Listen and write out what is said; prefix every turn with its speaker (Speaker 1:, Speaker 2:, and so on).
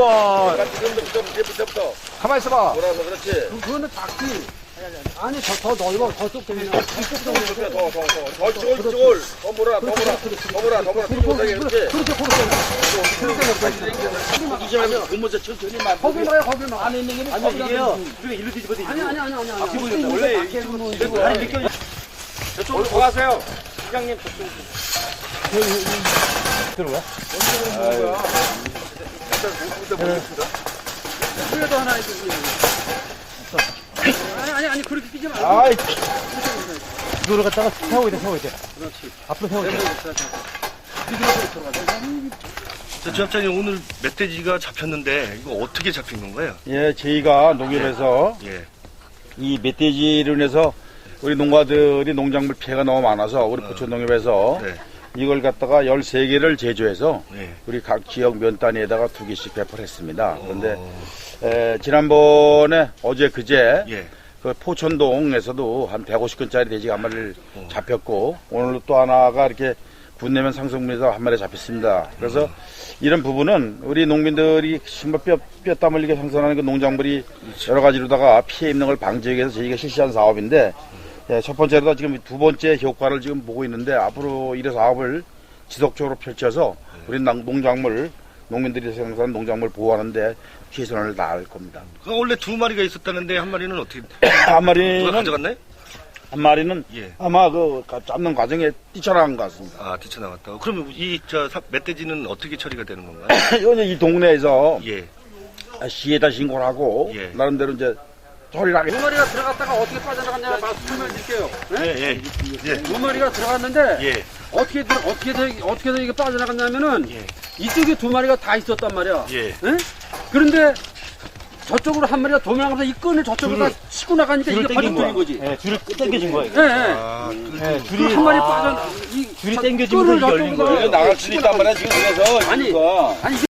Speaker 1: 우와.
Speaker 2: 지금부터
Speaker 1: 가만히 있어봐.
Speaker 2: 돌아서 그렇지.
Speaker 3: 그거는 작지. 아니, 더 넓어. 더 좁게면.
Speaker 2: 더 몰아. 그렇지. 이지만 고무줄 천천히 만.
Speaker 3: 거기 막.
Speaker 2: 안에 있는 게 아니 이게요. 우리가 일로 뒤집어도
Speaker 3: 아니.
Speaker 2: 앞뒤 보인다. 원래 이렇게 아니 느껴. 저쪽으로 돌아가세요. 부장님 저쪽.
Speaker 1: 들어가?
Speaker 3: 그래도 하나 해주지. 아니, 그렇게 끼지 말고.
Speaker 1: 아이. 이거를 갖다가 세우고 있대.
Speaker 3: 그렇지.
Speaker 1: 앞으로 세우고 있대.
Speaker 4: 저 주합장님 오늘 멧돼지가 잡혔는데 이거 어떻게 잡힌 건가요?
Speaker 5: 예, 저희가 농협에서
Speaker 4: 예.
Speaker 5: 이 멧돼지로 인해서 우리 농가들이 농작물 피해가 너무 많아서 우리 포천 농협에서
Speaker 4: 네.
Speaker 5: 이걸 갖다가 13개를 제조해서
Speaker 4: 네.
Speaker 5: 우리 각 지역 면 단위에다가 2개씩 배포를 했습니다. 그런데 지난번에 어제 그제
Speaker 4: 예.
Speaker 5: 그 포천동에서도 한 150건짜리 돼지가 한 마리를 잡혔고 오늘 또 하나가 이렇게 군내면 상승분에서 한 마리 잡혔습니다. 그래서 이런 부분은 우리 농민들이 정말 뼈 땀 흘리게 생산하는 그 농작물이 여러 가지로다가 피해 입는 걸 방지하기 위해서 저희가 실시한 사업인데 첫 번째로 지금 두 번째 효과를 지금 보고 있는데 앞으로 이 사업을 지속적으로 펼쳐서 우리 농작물 농민들이 생산한 농작물 보호하는데 최선을 다할 겁니다.
Speaker 4: 그 원래 2마리가 있었다는데 한 마리는 어떻게
Speaker 5: 한
Speaker 4: 누가
Speaker 5: 마리는
Speaker 4: 가져갔나요?
Speaker 5: 한 마리는
Speaker 4: 예.
Speaker 5: 아마 그 잡는 과정에 뛰쳐나간 것 같습니다.
Speaker 4: 아, 뛰쳐나갔다고. 그러면 이 멧돼지는 어떻게 처리가 되는 건가요?
Speaker 5: 이거는 이 동네에서
Speaker 4: 예.
Speaker 5: 시에다 신고를 하고
Speaker 4: 예.
Speaker 5: 나름대로 이제 처리를 하게.
Speaker 3: 두 마리가 들어갔다가 어떻게 빠져나갔냐 말씀을 드릴게요.
Speaker 4: 예. 예.
Speaker 3: 두 마리가 들어갔는데
Speaker 4: 예.
Speaker 3: 어떻게 이게 빠져나갔냐면은
Speaker 4: 예.
Speaker 3: 이쪽에 두 마리가 다 있었단 말이야.
Speaker 4: 예.
Speaker 3: 응? 그런데 저쪽으로 한 마리가 도망가면서 이 끈을 저쪽으로 다 치고 나가니까 이게 번쩍 들린 거지.
Speaker 1: 예, 줄을 당겨진 거예요.
Speaker 3: 예, 예.
Speaker 4: 아,
Speaker 1: 예, 줄이
Speaker 3: 한 마리 빠져 이
Speaker 1: 줄이 당겨지면서 이게 열린 거예요.
Speaker 5: 나갈 수도 있단 말이야 지금 그래서
Speaker 3: 아니,
Speaker 5: 이거.
Speaker 3: 아니